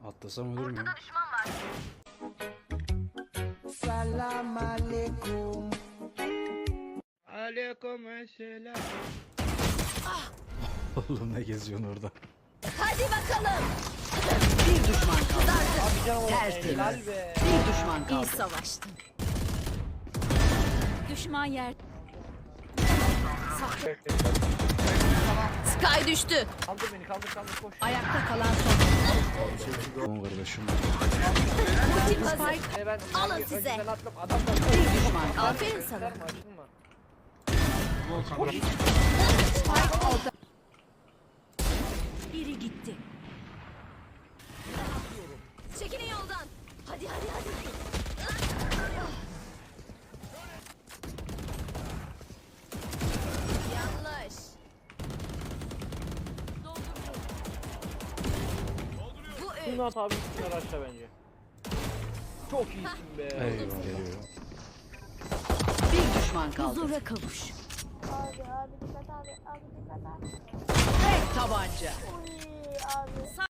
Atlasam ölür müyüm? Salam aleyküm. Aleykümselam. Oğlum ne geziyorsun orada? Hadi bakalım. Bir düşman kaldı. Abi canım oğlum, Tertemiz. helal be. Bir düşman kaldı. İyi savaştın. Düşman yer. Sky düştü. Kaldır beni, kaldır koş. Ayakta kalan son. Tamam kardeşim. Ultim hazır. Ben Alın size. önceden attım, adam da Bir düşman kaldı. Aferin sana. Açılma, açılma. Biri gitti. Çekilin yoldan. Hadi. Yanlış. Bu Bunu at abi, üstüne aşağı bence. Çok iyisin be. Eyvah geliyor. bir düşman kaldı. Huzura kavuş. Abi dikkat abi dikkat abi. Tek tabanca. Uy abi.